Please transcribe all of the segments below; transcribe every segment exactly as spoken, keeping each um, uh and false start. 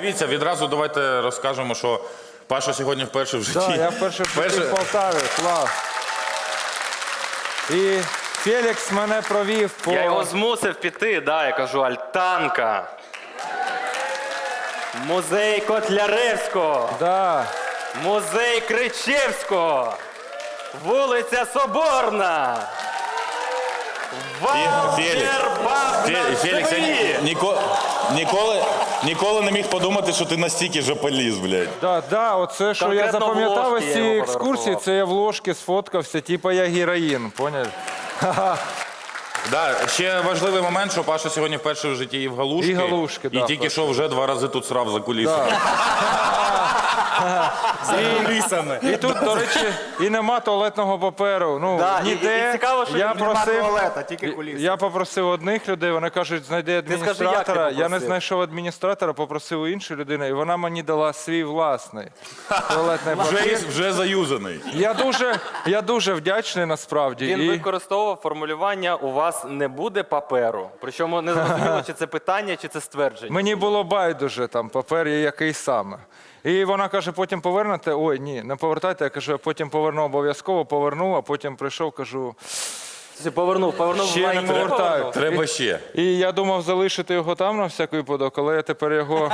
дивіться, відразу давайте розкажемо, що Паша сьогодні вперше в житті. Так, я вперше в житті в Полтаві, клас. І Фелікс мене провів по... Я його змусив піти, да, я кажу, Альтанка. Музей Котляревського. Да. Музей Кричевського. Вулиця Соборна. Фелікс, Фелікс, я ні- ніко- ніколи, ніколи не міг подумати, що ти настільки же поліз, блядь. Да, да, оце, що я Конкретно в запам'ятав ложки із я цієї його екскурсії, фотографував. це я в ложки сфоткався, типа я героїн, поняв? Да, ще важливий момент, що Паша сьогодні вперше в житті їв галушки. І галушки, І да, тільки вперше. що вже два рази тут срав за кулісами. І тут, до речі, і нема туалетного паперу. Ну, Да, і- ніде. і цікаво, що я нема просив, туалета, тільки куліси. Я попросив одних людей, вони кажуть, знайди скажи, як ти адміністратора. Я не попросив? знайшов адміністратора, попросив у іншої людини, і вона мені дала свій власний туалетний Вже, папір. вже заюзаний. Я дуже, я дуже вдячний насправді. Він і... використовував формулювання «у вас не буде паперу». Причому не зрозуміло, чи це питання, чи це ствердження. Мені було байдуже, там папер є який саме. І вона каже, потім повернете. Ой, ні, не повертайте. Я кажу, я потім поверну обов'язково, поверну, а потім прийшов, кажу, Ти повернув, повернув ще не лайні, повертаю. повернув? Треба ще. І я думав залишити його там на всякий випадок, але я тепер його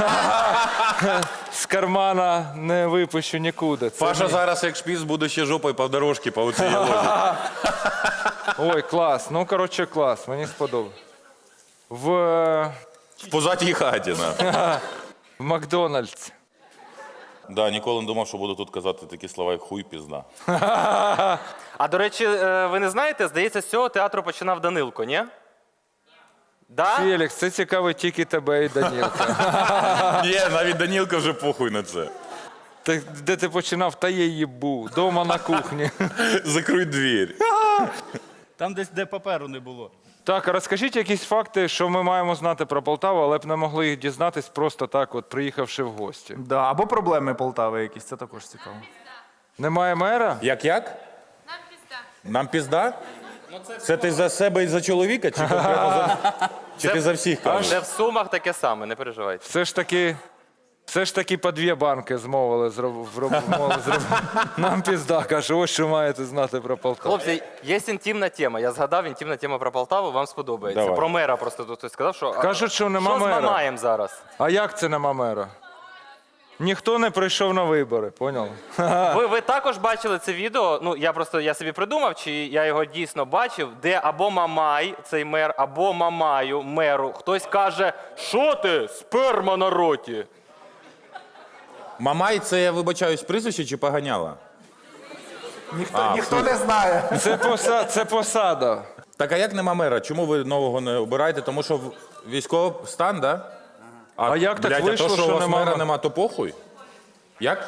з кармана не випущу нікуди. Це Паша мій- зараз, як шпіц, буде ще жопою по дорожці по оцій лозі. Ой, клас. Ну, коротше, клас. Мені сподобалось. В, е, В позатій хаті. На. в Макдональдс. Да, ніколи не думав, що буду тут казати такі слова, як хуй, пізда. А, до речі, е, ви не знаєте, здається, з цього театру починав Данилко, ні? Да? Фелікс, це цікавить тільки тебе і Данілка. Ні, навіть Данілка вже похуй на це. Ти, де ти починав, та я їбу. Дома на кухні. Закрий двір. Там десь, де паперу не було. Так, а розкажіть якісь факти, що ми маємо знати про Полтаву, але б не могли їх дізнатись просто так, от приїхавши в гості. Да, або проблеми Полтави якісь, це також цікаво. Немає мера? Як-як? Нам пізда. Нам пізда? Це ти за себе і за чоловіка, чи конкретно за... Чи ти за всіх кажеш? Це в Сумах таке саме, не переживайте. Все ж таки, все ж таки по дві банки змовили зроб... вроб- мовили зробити. Нам пізда, каже, ось що маєте знати про Полтаву. Хлопці, є інтимна тема. Я згадав, інтимна тема про Полтаву, вам сподобається. Давай. Про мера просто тут хтось сказав, що... а, Кажуть, що нема що мера. з Мамаєм зараз? А як це нема мера? Ніхто не прийшов на вибори, поняли? Ви, ви також бачили це відео, ну я просто я собі придумав, чи я його дійсно бачив, де або Мамай, цей мер, або Мамаю, меру, хтось каже, що ти, сперма на роті? Мамай, це я вибачаюсь, прізвище чи поганяла? Ніхто, ніхто не знає. Це, поса... це посада. Так а як нема мера? Чому ви нового не обираєте? Тому що в- військовий стан, да? А як так блядь, вийшло, а то, що, що у вас нема мера м- нема, то похуй? Як?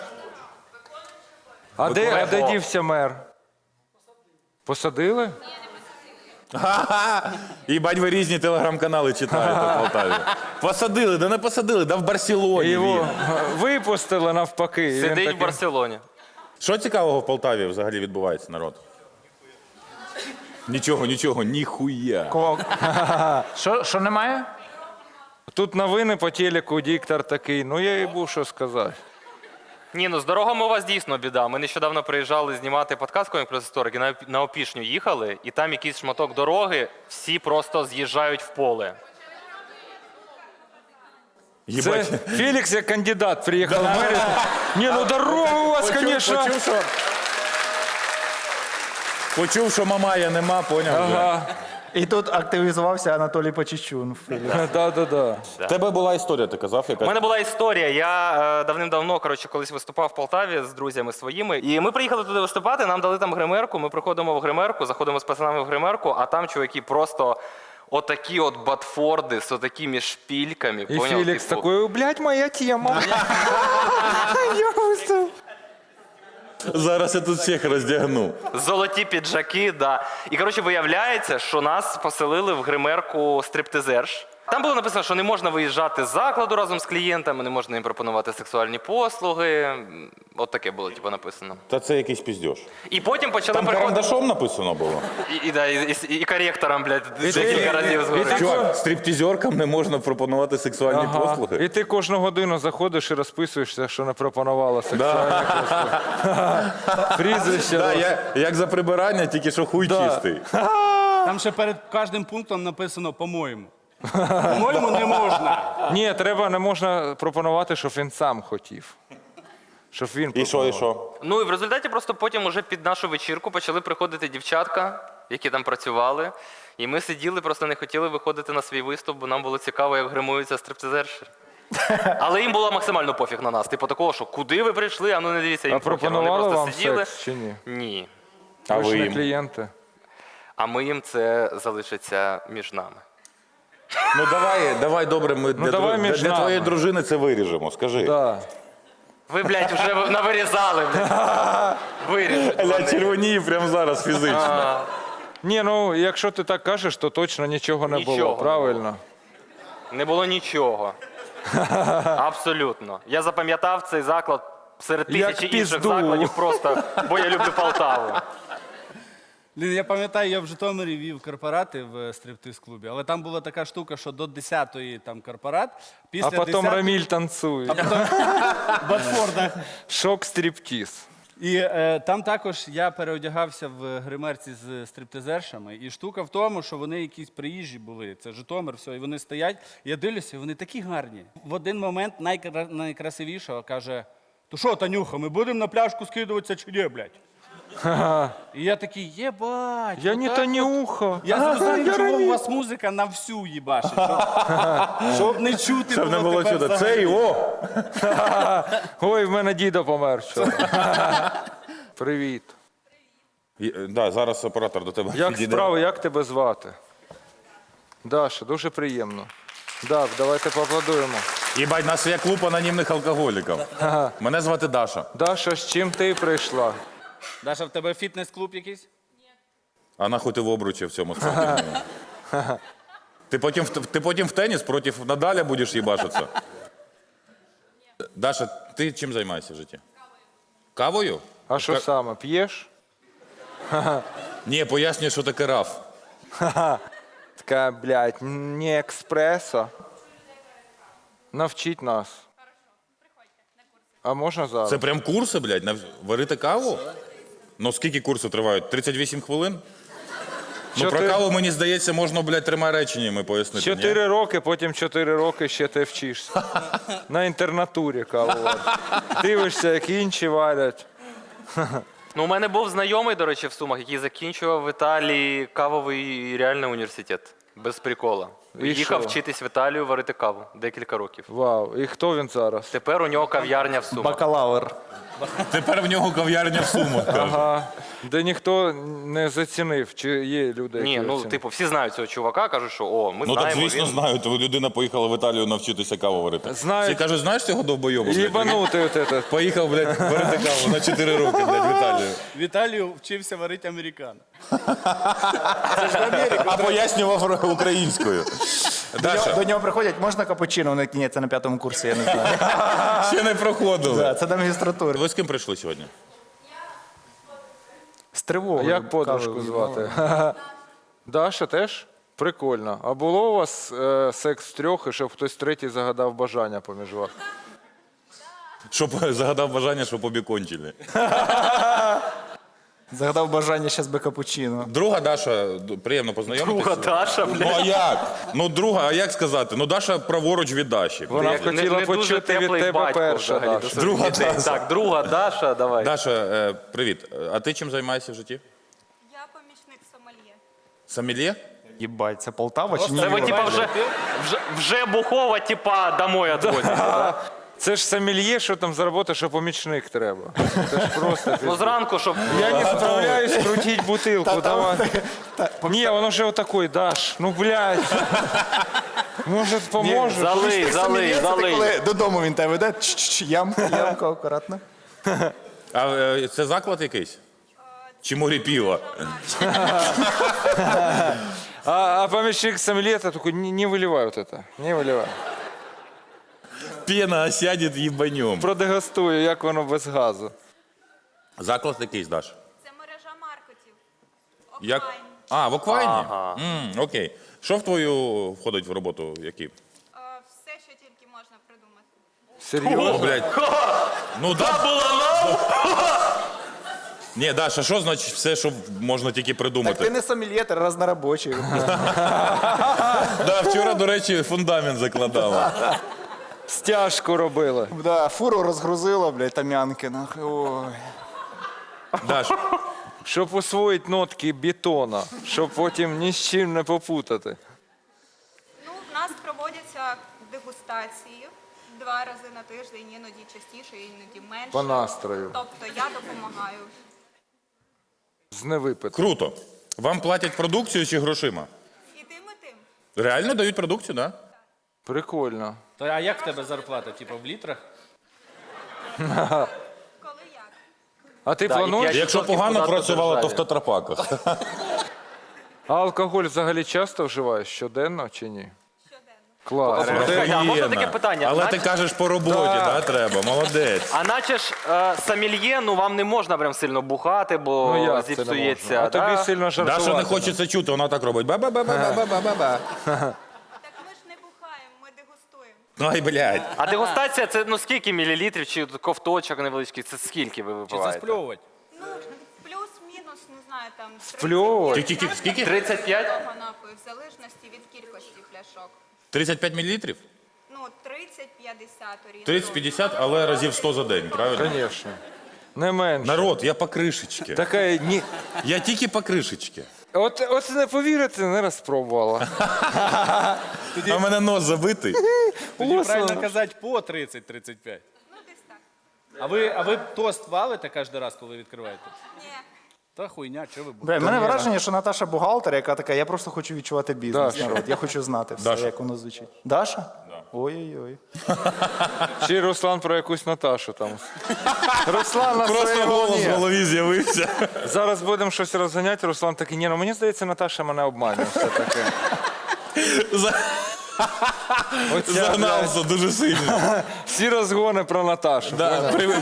А де, а де О. дівся мер? Посадили? Ха-ха! Їбать, ви різні телеграм-канали читаєте в Полтаві. Посадили, да не посадили, да в Барселоні Його він. випустили навпаки. і він Сидить в такий- Барселоні. Що цікавого в Полтаві взагалі відбувається, народ? Нічого, нічого, ніхуя. Що, що немає? Тут новини по телеку, диктор такий, ну я їй був що сказати. Ні, ну з дорогами у вас дійсно біда. Ми нещодавно приїжджали знімати подкаст «Комік плюс історики», на, на Опішню їхали, і там якийсь шматок дороги, всі просто з'їжджають в поле. Це Їбать. Фелікс як кандидат приїхав в мерію. Ні, ну дорога у вас, Почув, звісно. почув, що... Почув, що Мамая нема, поняв вже. Ага, І тут активізувався Анатолій Почечун. да-да-да. В тебе була історія, ти казав, У яка? мене була історія. Я е, давним-давно, коротше, колись виступав в Полтаві з друзями своїми. І ми приїхали туди виступати, нам дали там гримерку. Ми приходимо в гримерку, заходимо з пацанами в гримерку, а там чуваки просто отакі от батфорди з отакими шпільками. І поняв? Фелікс Типу, такий, блядь, моя тема. Я виступ. Зараз я тут всіх роздягну. Золоті піджаки, да. І, коротше, виявляється, що нас поселили в гримерку стриптизерш. Там було написано, що не можна виїжджати з закладу разом з клієнтами, не можна їм пропонувати сексуальні послуги. От таке було типу, написано. Та це якийсь піздьош. І потім почали Там приходити. карандашом написано було. І, і, да, і, і, і коректором, блядь, декілька разів згори. Чувак, стриптизеркам не можна пропонувати сексуальні Ага. послуги. І ти кожну годину заходиш і розписуєшся, що не пропонувала сексуальні послуги. Прізвище. Да, я, як за прибирання, тільки що хуй Да. чистий. Там ще перед кожним пунктом написано по-моєму. По-моєму, не можна. Ні, треба, не можна пропонувати, щоб він сам хотів. Щоб він І що, і що? Ну і в результаті просто потім уже під нашу вечірку почали приходити дівчатка, які там працювали. І ми сиділи, просто не хотіли виходити на свій виступ, бо нам було цікаво, як гримуються стриптизерші. Але їм було максимально пофіг на нас. Типу такого, що куди ви прийшли, а ну не дивіться, їм А похер. Вони пропонували просто вам сиділи. секс чи ні? Ні. А Ви ж ви не їм? клієнти. А ми їм це залишиться між нами. Ну давай, давай, добре, ми для, давай дру- між для твоєї нами. дружини це виріжемо, скажи. Да. Ви, блядь, вже навирізали, блядь. Виріжуть. Ля вони. червоніє прямо зараз фізично. Ні, ну якщо ти так кажеш, то точно нічого не Нічого було, не правильно? Не було нічого. Абсолютно. Я запам'ятав цей заклад серед Як тисячі інших пізду. закладів просто, бо я люблю Полтаву. Блін, я пам'ятаю, я в Житомирі вів корпорати в стриптиз-клубі, але там була така штука, що до десятої там корпорат, після А потім десятої Раміль танцює. в Батфордах. Шок стриптіз. І е, там також я переодягався в гримерці з стриптизершами. І штука в тому, що вони якісь приїжджі були. Це Житомир, все, і вони стоять. Я дивлюся, вони такі гарні. В один момент найкра... найкрасивішого каже: то що, Танюха, ми будемо на пляшку скидуватися чи ні, блядь? І я такий, єбать. Я не отак Танюха. Я зрозумів, чому у вас музика на всю їбашить. Щоб, щоб не чути Щоб не було тепер чути. взагалі. Це і о! Ой, в мене дідо помер вчора. Привіт. І, е, Да, зараз оператор до тебе Як підійде. справи, як тебе звати? Даша, дуже приємно. Так, давайте поаплодуємо. Їбать, у нас є клуб анонімних алкоголіків. Мене звати Даша. Даша, з чим ти прийшла? Даша, в тебе фітнес-клуб якийсь? А нахуй ти в обручі в цьому спортивному? Ти потім, в- ти потім в теніс проти Надаля будеш їбашитися? Даша, ти чим займаєшся в житті? Кавою? А що саме, п'єш? Ні, пояснюю, що таке раф. Така, блядь, не експресо. Навчіть нас. А можна зараз? Це прям курси, блядь, на варити каву? Ну скільки курси тривають? тридцять вісім хвилин? Ну про Чотири- каву, мені здається, можна, блядь, трьома реченнями пояснити. ні? Чотири роки, потім чотири роки ще ти вчишся. На інтернатурі каву. Дивишся, як інші варять. Ну, у мене був знайомий, до речі, в Сумах, який закінчував в Італії кавовий реальний університет. Без прикола. І Їхав що? вчитись в Італію варити каву декілька років. Вау. І хто він зараз? Тепер у нього кав'ярня в Сумах. Бакалавр. Тепер в нього кав'ярня в Сумах, каже. Ага. Де ніхто не зацінив, чи є люди, які Ні, ну оцінили? типу, всі знають цього чувака, кажуть, що о, ми Ну так, знаємо. звісно, він... знаю. То людина поїхала в Італію навчитися каву варити. Знають. Всі кажуть, знаєш цього довбойобу? блядь? Їбанутий от этот. Поїхав, блядь, варити каву на чотири роки, блядь, в Італію. В Італію вчився варити американо. А пояснював українською. До нього, Даша, до нього приходять, можна капучино? Вони такі, ні, це на п'ятому курсі, я не знаю. ще не проходили. Да, це до магістратури. Ви з ким прийшли сьогодні? З тривогою. Як подружку кавою звати? Даша теж? Прикольно. А було у вас е, секс в трьох, і щоб хтось третій загадав бажання поміж вас? Щоб загадав бажання, щоб обі кончили. Загадав бажання щас би капучино. Друга Даша, д- приємно познайомитися. Друга Даша, Ну блядь. а як? Ну друга, а як сказати? Ну Даша праворуч від Даші. Вона Не- хотіла не дуже почути від теплий тебе батько перша, взагалі до Даша. своїх Друга дітей. Даша. Так, друга Даша, давай. Даша, е, привіт. А ти чим займаєшся в житті? Я помічник сомельє. Сомельє? Їбать, це Полтава чи ні? Це ви типа вже, вже, вже бухова, типа, домой відвозите. Це ж сомельє, що там заробити, що помічник треба. Це ж просто. Ну пиздец. зранку, щоб... Я не справляюсь крутить бутилку, давай. Ні, воно вже отакой, Даш, ну блядь. Може, поможе? Залий, залий, Це залий. коли додому він тебе веде, чш-чш, ямку, ямку, акуратно. А е, це заклад якийсь? Чи морі піва? А, а помощник сомелье такой, не, не выливай вот это, не выливай. Пена осядет їбанем. Продегустую, як воно без газу. Заклад якийсь, Даш? Це мережа маркетів. Як? Офлайн. А, в Оквайні? М, окей. Що в твою входить в роботу? Які? Е, Все, що тільки можна придумати. Серйозно? О, блядь. Ну, да. Ні, Даша, що значить все, що можна тільки Так ти придумати? не сомельє, ти разнорабочий. Да, вчора, до речі, фундамент закладала. Стяжку робили. Да, фуру розгрузила, блядь, тамянки. нахуй. Ой. Даш, Щоб усвоїти нотки бетона, щоб потім ні з чим не попутати. Ну, в нас проводяться дегустації два рази на тиждень, іноді частіше, іноді менше. По настрою. Тобто я допомагаю. З невипиту. круто. Вам платять продукцію чи грошима? І тим, і тим. Реально дають продукцію, так? Да? Прикольно. То а як в тебе зарплата? Типу в літрах? Коли як? А ти Да, і плануєш? п'ять- Якщо відсотків погано податку працювала, то в державі. тетрапаках. А алкоголь взагалі часто вживаєш? Щоденно чи ні? Щоденно. Клас. Слухайте, а можна таке Охуєнно. питання? Але Наче- ти кажеш по роботі, да, треба, молодець. А наче ж е, сомельє, ну вам не можна прям сильно бухати, бо Ну як це не зіпсується. можна? А тобі да? сильно жартувати. Даша не хоче це чути, вона так робить. Ба-ба-ба-ба-ба-ба-ба-ба. Так ми ж не бухаємо, ми дегустуємо. Ай, блядь. А дегустація це ну скільки мілілітрів чи ковточок невеличкий? Це скільки ви Чи випиваєте? заспльовувати? Ну, плюс-мінус, не знаю, там... з Спльовувати? Скільки- скільки- скільки? тридцять п'ять? того напою, в залежності від кількості пляшок. тридцять п'ять мілілітрів? Ну, тридцять-п'ятдесят орієнтовно. тридцять-п'ятдесят, але разів сто за день, правильно? Звісно. Не менше. Народ, я по кришечки. Така ні. Я тільки по кришечки. От, от не повірити, не розпробувала. А в мене нос забитий. Тоді Ось правильно воно. казати по тридцять-тридцять п'ять. Ну, десь так. А ви, а ви тост валите кожен раз, коли відкриваєте? Ні. Та хуйня, що ви будете? Бля, в мене враження, що Наташа бухгалтер, яка така, я просто хочу відчувати бізнес. Даша. народ. Я хочу знати все, Даша. як воно звучить. Даша? Ой-ой-ой. Чи Руслан про якусь Наташу там. Руслан на Просто своїй голос в волні. голові з'явився. Зараз будемо щось розганяти, Руслан такий, ні, ну мені здається, Наташа мене обманює все таке. За- Оця, Загнався дуже сильно. блядь, всі розгони про Наташу. Да, при-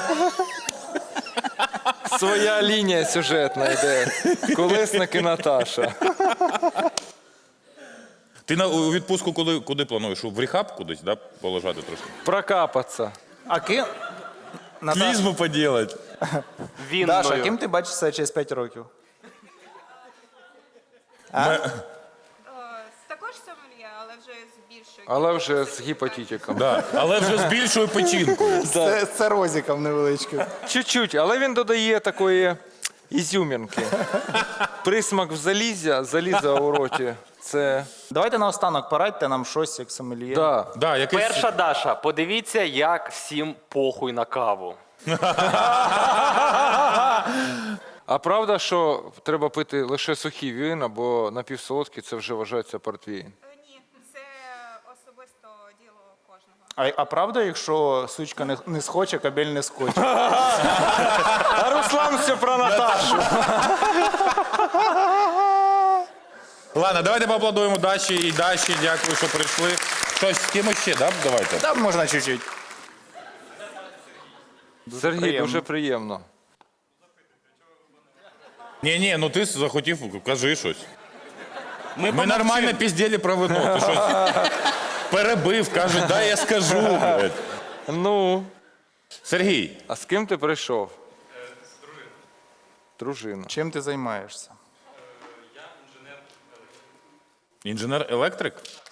Своя лінія сюжетна йде. Колесники Наташа. Ти на у відпустку куди, куди плануєш? В рехаб кудись, да, полежати трошки? Прокапатися. А ким? Наташа, Клізму поділати. Вінною. Даша, ким ти бачиш себе через п'ять років? Е, Також сомельє, але вже з більшою. Але вже з гіпотітиком. Да. Але вже з більшою печінкою. Це, це розіком невеличким. Чуть-чуть, але він додає такої ізюмінки. Присмак в залізя, заліза у роті. Це. Давайте наостанок порадьте нам щось, як сомельє. Да. Да, якийсь... Перша Даша, подивіться, як всім похуй на каву. А правда, що треба пити лише сухі вина, бо напівсолодкі це вже вважається портвейн? Е, Ні, це особисто діло кожного. А, а правда, якщо сучка не, не схоче, кабель не скоче? А Руслан все про Наташу. Ладно, давайте поаплодуємо Даші і Даші. Дякую, що прийшли. Щось з кимось ще, да? Давайте. Там можна чуть-чуть. Сергій, приємно. дуже приємно. Ні, ні, ну ти захотів, кажи щось. Ми, Ми нормально піздєлі про вино. Ти щось перебив, кажуть, дай я скажу. блядь. Ну, Сергій, а з ким ти прийшов? З дружиною. Дружина. Чим ти займаєшся? інженер-електрик?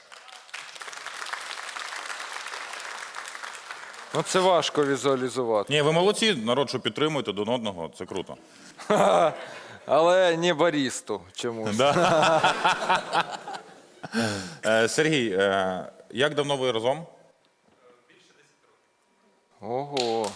Ну це важко візуалізувати. Ні, ви молодці, народ, що підтримуєте один одного, це круто. Але не барісту чомусь. Е, Сергій, е, як давно ви разом? Ого.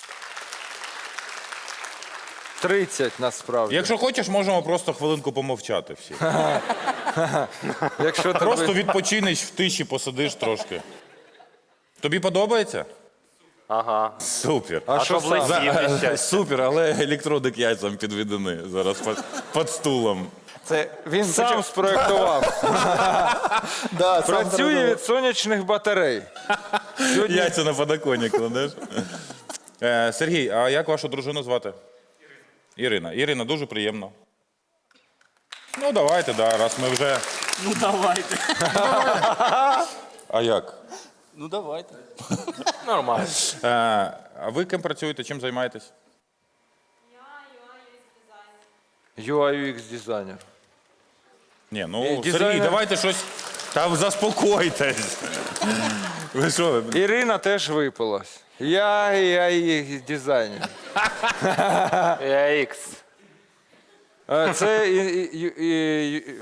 тридцять насправді. Якщо хочеш, можемо просто хвилинку помовчати всі. Якщо ти Просто відпочинеш в тиші, посидиш трошки. Тобі подобається? Ага. Супер. А що За- близькі е, щастя? Супер, але електродик яйцям підведені зараз під, під стулом. Це він Сам почав- спроєктував. Да, сам Працює зробив. від сонячних батарей. Яйця на подоконник кладеш. Е, Сергій, а як вашу дружину звати? Ірина. Ірина, дуже приємно. Ну, давайте, да, раз ми вже. Ну давайте. А як? Ну давайте. Нормально. Е, а ви ким працюєте, чим займаєтесь? ю ай ю екс дизайнер. Ні, ну, Е, Сергій, дизайнер- давайте щось. Та заспокойтесь. Ви що? Ірина теж випилась. Я ю ай ю екс дизайнер. Ікс. Е, Це і- і- і- і-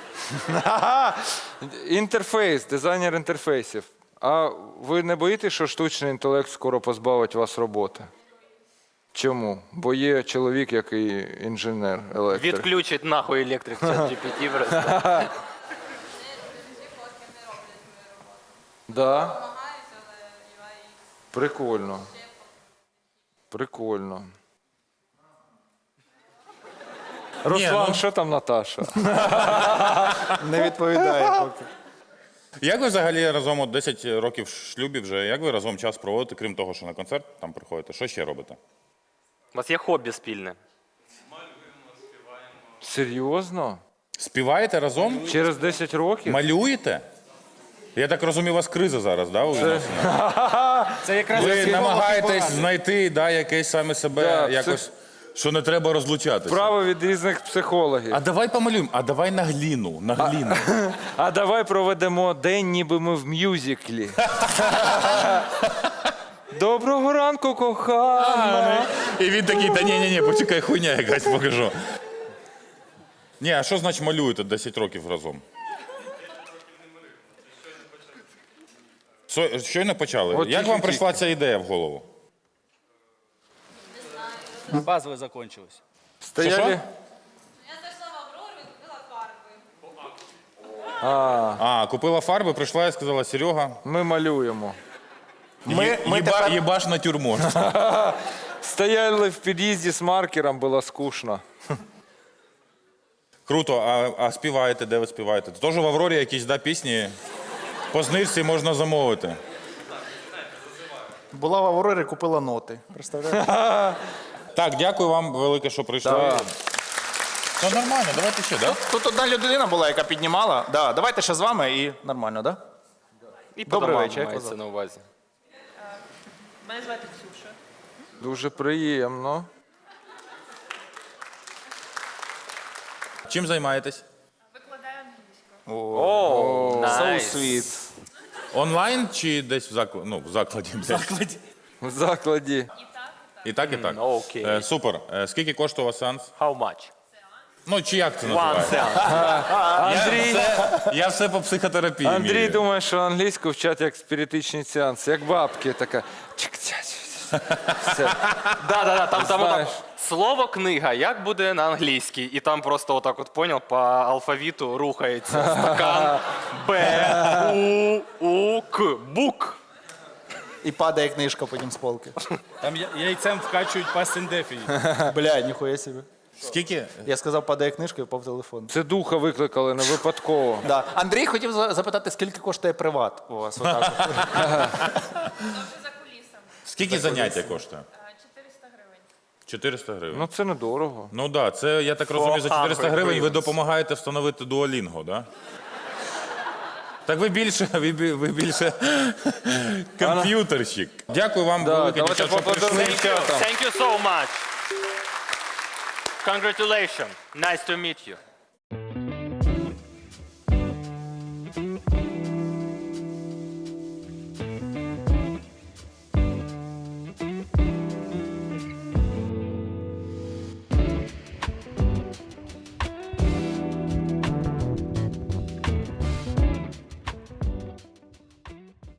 інтерфейс, дизайнер інтерфейсів. А ви не боїтесь, що штучний інтелект скоро позбавить вас роботи? Чому? Бо є чоловік, який інженер, електрик. Відключить нахуй електрик чат джі пі ті просто. Да? Прикольно. Прикольно. Руслан, ну- що там Наташа? Не відповідає поки. Як ви взагалі разом от десять років в шлюбі вже, як ви разом час проводите, крім того, що на концерт там приходите? Що ще робите? У вас є хобі спільне? Серйозно? Співаєте разом? Через десять років? Малюєте? Я так розумію, у вас криза зараз, да, у відносинах? Це якраз Ви психолог і намагаєтесь порадник. знайти да, якесь саме себе, Да, якось, що не треба розлучатися. Право від різних психологів. А давай помалюємо, а давай на гліну, на гліну. А давай проведемо день, ніби ми в мюзиклі. Доброго ранку, кохана. І він такий, та ні, ні, ні, почекай, хуйня якась покажу. Ні, а що значить малюєте десять років разом? Со- Щойно почали. От Як вам тільки-тільки. прийшла ця ідея в голову? Базове закончилось. Стояли. Що-що? Я зайшла в Аврору і купила фарби. А, купила фарби, прийшла і сказала, Серега, Ми малюємо. Ми, є- ми єба, тепер... єбаш натюрморт. Стояли в під'їзді з маркером, було скучно. Круто, а, а співаєте, де ви співаєте? Тож в Аврорі якісь да, пісні по знижці можна замовити. Була в Аврорі, купила ноти. Представляєш? Так, дякую вам велике, що прийшли. Да. Ну нормально, давайте ще, так? Тут одна людина була, яка піднімала. Да, давайте ще з вами і нормально, так? Да? І Добрий по домам вечір, як мається вас на увазі. Мене звати Ксюша. Дуже приємно. Чим займаєтесь? Викладаю англійську. О, So найс. sweet. Онлайн чи десь в закладі? Ну, в закладі. блядь. В закладі. І так, і так. окей. Е, супер. Е, скільки коштує у вас сеанс? How much? Ну, чи як це One називається? cent. Андрій, Я все по психотерапії. Андрій вмію. думає, що англійську вчать як спіритичний сеанс, як бабки, така. чик-ча-чик. Все. Да, да, да, там, там Знаєш. отак, слово книга, як буде на англійській? І там просто отак от, поняв, по алфавіту рухається стакан Б, У, У, К, бук. І падає книжка потім з полки. Там я- яйцем вкачують past indefinite. Бля, ніхуя собі. Скільки? Я сказав, падає книжка і впав телефон. Це духа викликали не випадково. Да. Андрій хотів за- запитати, скільки коштує приват у вас? Отак от. Це вже за кулісами. Скільки заняття коштує? Е, чотириста гривень. чотириста гривень. Ну це недорого. Ну так, да, це, я так розумію, за чотириста гривень ви гривень. допомагаєте встановити дуолінго, да? Так ви більше, ви, бі- ви більше комп'ютерщик. Дякую вам Да, велике, давайте дівчата, що поаплодуємо. прийшли. Thank you. Thank you so much. Congratulations. Nice to meet you.